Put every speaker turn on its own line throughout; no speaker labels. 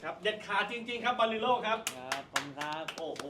ครับเด็ดขาดจริงๆครับบาริโลครับ
ครับผมครับ
โอ้โห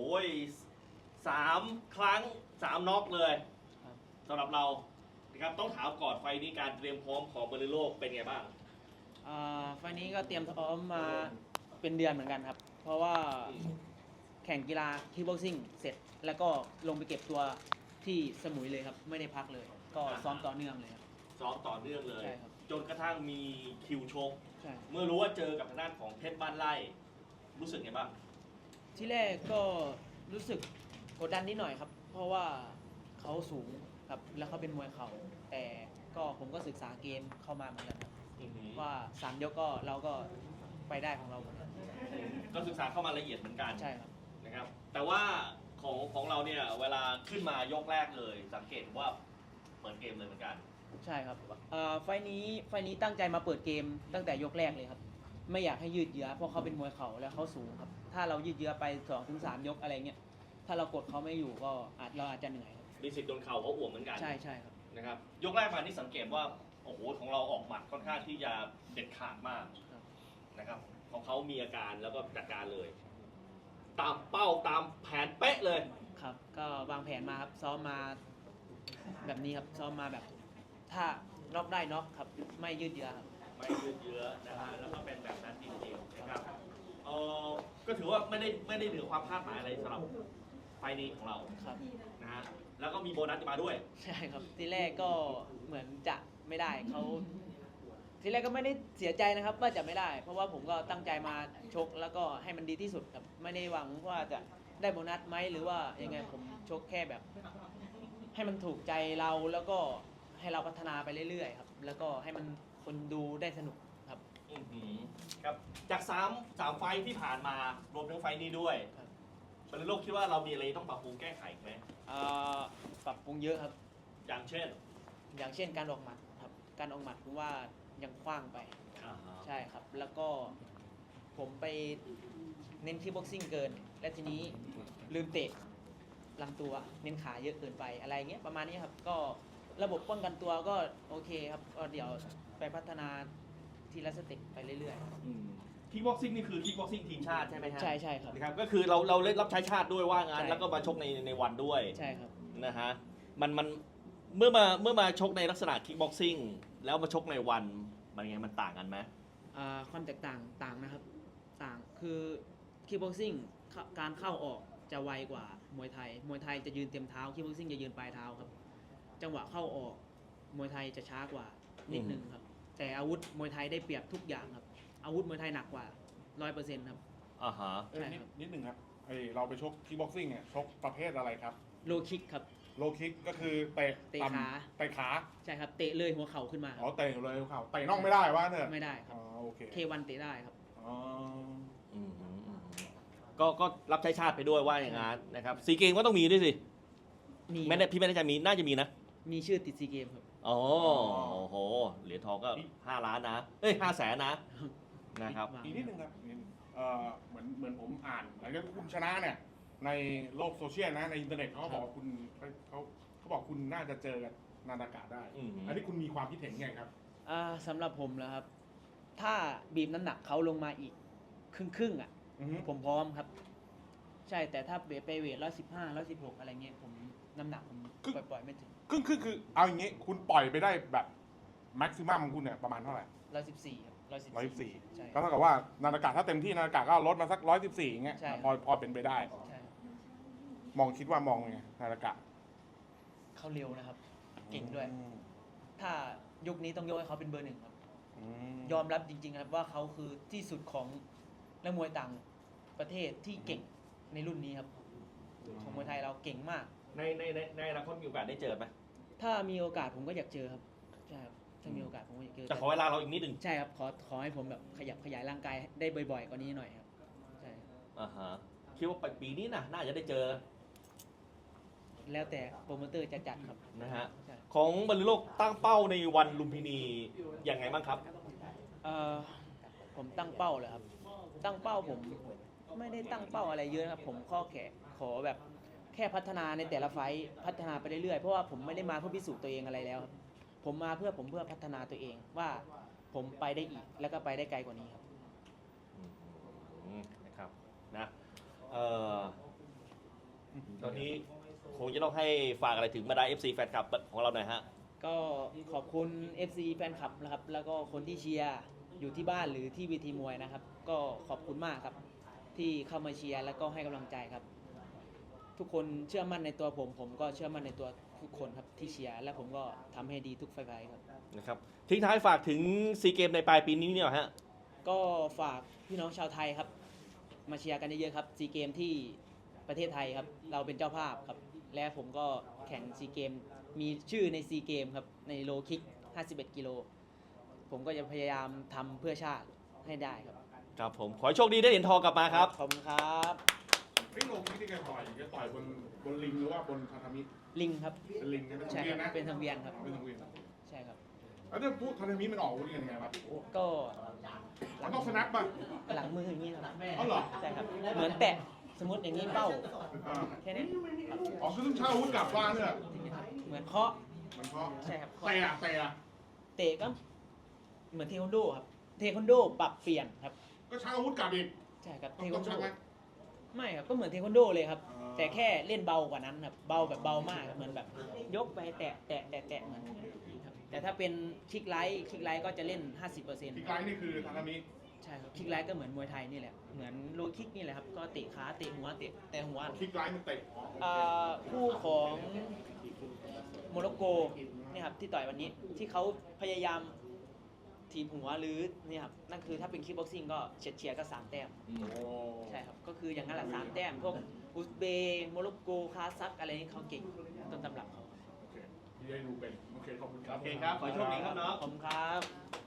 3 ครั้ง 3 น็อกเลยสำหรับเรานะครับต้องถามก่อนไฟนี้การเตรียมพร้อมของบาริโลเป็นไงบ้าง
ไฟล์นี้ก็เตรียมพร้อมมาเป็นเดือนเหมือนกันครับเพราะว่าแข่งกีฬาคิกบ็อกซิ่งเสร็จแล้วก็ลงไปเก็บตัวที่สมุยเลยครับไม่ได้พักเลยก็ซ้อมต่อเนื่องเลยครับ
ซ้อมต่อเนื่องเลย
ใช่ครับ
จนกระทั่งมีคิวชก
ใช่
เมื่อรู้ว่าเจอกับทางด้านของเพชรบ้านไร่รู้สึกไงบ้าง
ที่แรกก็รู้สึกกดดันนิดหน่อยครับ เพราะว่าเขาสูงครับแล้วเขาเป็นมวยเข่าแต่ก็ผมก็ศึกษาเกมเข้ามาเหมือนกันครับว่า3 ยกก็เราก็ไปได้ของเราเหมือนกัน
ก็ศึกษาเข้ามาละเอียดเหมือนกัน
ใช่ครับ
นะครับแต่ว่าของเราเนี่ยเวลาขึ้นมายกแรกเลยสังเกตว่าเปิดเกมเลยเหมือนกัน
ใช่ครับไฟล์นี้ตั้งใจมาเปิดเกมตั้งแต่ยกแรกเลยครับไม่อยากให้ยืดเยื้อเพราะเขาเป็นมวยเข่าแล้วเขาสูงครับถ้าเรายืดเยื้อไป 2-3 ยกอะไรเงี้ยถ้าเรากดเขาไม่อยู่ก็เราอาจจะเหนื่อยครับ
มีสิทธิ์โดนเข่าเขาอ่วมเหมือนกัน
ใช่ครับ
นะครับยกแรกมานี่สังเกตว่าโอ้โหของเราออกหมัดค่อนข้างที่จะเด็ดขาดมากนะครับของเขามีอาการแล้วก็จัดการเลยตามเป้าตามแผนเป๊ะเลย
ครับก็วางแผนมาครับซ้อมมาแบบนี้ครับซ้อมมาแบบถ้าน็อกได้น็อกครับไม่ยืดเยื้อครับ
ไม่ยืดเยื้อนะฮะแล้วก็เป็นแบบนั้นจริงๆนะครับก็ถือว่าไม่ได้เหนือความคาดหมายอะไรสำหรับไฟนี้ของเรา
ครับ
นะฮะแล้วก็มีโบนัสมาด้วย
ใช่ครับทีแรกก็เหมือนจะไม่ได้เขาทีแรกก็ไม่ได้เสียใจนะครับว่าจะไม่ได้ เพราะว่าผมก็ตั้งใจมาชกแล้วก็ให้มันดีที่สุดครับไม่ได้หวังว่าจะได้โบนัสไหมหรือว่ายังไงผมชกแค่แบบให้มันถูกใจเราแล้วก็ให้เราพัฒนาไปเรื่อยๆครับแล้วก็ให้มันคนดูได้สนุกครับ
ครับจาก3 ไฟที่ผ่านมารวมทั้งไฟนี้ด้วยบรรลุโลกคิดว่าเรามีอะไรต้องปรับปรุงแก้ไขไหม
ปรับปรุงเยอะครับ
อย่างเช่น
การออกหมัดครับการออกหมัดผมว่ายังคว้างไปใช่ครับแล้วก็ผมไปเน้นคิกบ็อกซิ่งเกินและทีนี้ลืมเตะลำตัวเน้นขาเยอะเกินไปอะไรเงี้ยประมาณนี้ครับก็ระบบป้องกันตัวก็โอเคครับก็เดี๋ยวไปพัฒนาทีละสเต็ปไปเรื่อย
ๆคิกบ็อกซิ่งนี่คือคิกบ็อกซิ่งทีมชาติใช่ไหมฮะ
ใช่ครับ
นะครับก็คือเราเล่นรับใช้ชาติด้วยว่างานแล้วก็มาชกในวันด้วย
ใช่ครับ
นะฮะมันเมื่อมาชกในลักษณะคิกบ็อกซิ่งแล้วมาชกในวันมันไงมันต่างกันไหม
ความแตกต่างนะครับต่างคือคิกบ็อกซิ่งการเข้าออกจะไวกว่ามวยไทยจะยืนเต็มเท้าคิกบ็อกซิ่งจะยืนปลายเท้าครับจังหวะเข้าออกมวยไทยจะช้ากว่านิดนึงครับแต่อาวุธมวยไทยได้เปรียบทุกอย่างครับอาวุธมวยไทยหนักกว่า 100% ครับ
นิดหนึ่งครับเราไปชกคิกบ็อกซิ่งเนี่ยชกประเภทอะไรครับ
โลคิกครับ
โลคิกก็คือเตะขา
ใช่ครับเตะเลยหัวเข่าขึ้นมา
เตะเลยหัวเข่าเตะน่องไม่ได้ว่าเถอะ
ไม่ได้ครับ
โอเค
K1 เตะได้ครับ
ก็รับใช้ชาติไปด้วยว่าอย่างนั้นนะครับซีเกมก็ต้องมีด้วยสิไม่ได้พี่ไม่ได้จะมีน่าจะมีนะ
มีชื่อติดซีเกมครับ
โอ้โหเหรียญทองก็5 ล้านนะ500,000นะครับ
อีกนิดนึงครับเหมือนผมอ่านหลังจากคุณชนะเนี่ยในโลกโซเชียลนะในอินเทอร์เน็ตเขาบอกคุณเขาบอกคุณน่าจะเจอกับนาดากะได้อันนี้คุณมีความคิดเห็นไงครับ
สำหรับผมนะครับถ้าบีบน้ำหนักเขาลงมาอีกครึ่งอ่ะผมพร้อมครับใช่แต่ถ้าไปเวท115 116อะไรเงี้ยผมน้ำหนักผมปล่อยไม่ถึง
ครึ่งคือเอาอย่างงี้คุณปล่อยไปได้แบบแม็กซิมัมของคุณเนี่ยประมาณเท่าไหร่
114ครับ
114ก็เท่ากับว่านาดากะถ้าเต็มที่นาดากะก็ลดมาสัก114อย่างเงี้ยพอเป็นไปได้คิดว่ามองไงนาดากะ
เขาเร็วนะครับเก่งด้วยถ้ายุคนี้ต้องยกให้เขาเป็นเบอร์ 1ครับยอมรับจริงๆครับว่าเขาคือที่สุดของนักมวยต่างประเทศที่เก่งในรุ่นนี้ครับของมวยไทยเราเก่งมาก
ในอนาคตมีโอกาสได้เจอไหม
ถ้ามีโอกาสผมก็อยากเจอครับใช่ครับถ้ามีโอกาสผมก็อยากเจอ
แต่ขอเวลาเราอีกนิดนึง
ใช่ครับขอให้ผมแบบขยายร่างกายได้บ่อยๆกว่านี้หน่อยครับใช่
คิดว่าปีนี้น่าจะได้เจอ
แล้วแต่โปรโมเตอร์จะจัดครับ
นะฮะของบรรลุโลกตั้งเป้าในวันลุมพินียังไงบ้างครับ
ผมตั้งเป้าเลยครับตั้งเป้าผมไม่ได้ตั้งเป้าอะไรเยอะครับผมขอแบบแค่พัฒนาในแต่ละไฟท์พัฒนาไปเรื่อยๆเพราะว่าผมไม่ได้มาเพื่อพิสูจน์ตัวเองอะไรแล้วครับผมมาเพื่อพัฒนาตัวเองว่าผมไปได้อีกแล้วก็ไปได้ไกลกว่านี้ครับ
นี้คงจะต้องให้ฝากอะไรถึงบรรดา FC แฟนคลับของเราหน่อยฮะ
ก็ขอบคุณ FC แฟนคลับนะครับ แล้วก็คนที่เชียร์อยู่ที่บ้านหรือที่เวทีมวยนะครับ ก็ขอบคุณมากครับ ที่เข้ามาเชียร์แล้วก็ให้กำลังใจครับ ทุกคนเชื่อมั่นในตัวผม ผมก็เชื่อมั่นในตัวทุกคนครับที่เชียร์และผมก็ทำให้ดีทุกไฟล์ครับ
นะครับทิ้งท้ายฝากถึงซีเกมในปลายปีนี้เนี่ยฮะ
ก็ฝากพี่น้องชาวไทยครับ มาเชียร์กันเยอะๆครับซีเกมที่ประเทศไทยครับ เราเป็นเจ้าภาพครับ และผมก็แข่งซีเกมมีชื่อในซีเกมครับในโลคิก 51 กิโล ผมก็จะพยายามทำเพื่อชาติให้ได้ครับ
ครับผม ขอให้โชคดีได้เหรียญทองกลับมาครับ
ขอบคุณครับ
เฮ้ยโลคิกที่แกต่อยบนลิงหรือว่าบนทาทามิ
ลิงครับ
เป็นลิงนะเป็น
ใช่
ทาง
ค
เวียน
รับ
นะ
เป็นทางเวียนครับ
เป็นทางเวียน
ใช่ครับ
แล้วถ้าพูดทาทามิมันออกวุ้นยังไงวะ
ก็
มันต้องสแนปป่ะ
หลังมืออย่างนี้ครับ
อ๋อเหรอ
ใช่ครับ เหมือนแตะสมมติอย่างนี้เป้า
อ่า
แค่นี้
อ๋อคือต้องเช่าอาวุธกลับบ้านเนี่ย
เหมือนเคาะ
มันเพราะ
ใช่ครับ
เตะอะเตะอะ
เตะก็เหมือนเทควันโดครับ เทควันโดปรับเปลี่ยนครับ
ก็เช่าอาวุธกลับอีก
ใช่ครับ
ต้
เท
อง
ควันโด
ชักไหม
ไม่ครับ ก็เหมือนเทควันโดเลยครับ
อ๋อ
แต่แค่เล่นเบากว่านั้นครับ เบาแบบเบามากครับเหมือนแบบ ยกไปแตะแตะแตะแตะเหมือนครับแต่ถ้าเป็นคิกไลท์ก็จะเล่น 50%
ที่ไกลนี่คือทาทามิ
ใช่ครับคิกไลท์ก็เหมือนมวยไทยนี่แหละ เหมือนโลคิกนี่แหละครับ ก็เตะขาเตะหัวเตะแต่หัว
คิกไลท์มันเตะอ๋อโอเค
คู่ของโมร็อกโกเนี่ยครับที่ต่อยวันนี้ที่เขาพยายามถีบหัวหรือเนี่ยครับนั่นคือถ้าเป็นคิกบ็อกซิ่งก็เฉียดๆก็3 แต้ม
โอ้
ใช่ครับก็คืออย่างนั้นแหละ3 แต้มพวกอุซเบย์โมร็อกโกคาซัคอะไรนี่เขาเก่งต้นตำรับเขา
โอเคที่ได้ดูเป็นโอเคขอบคุณครับ
โอเคครับ ขอให้โชคดีครับน้อง
ผมครับ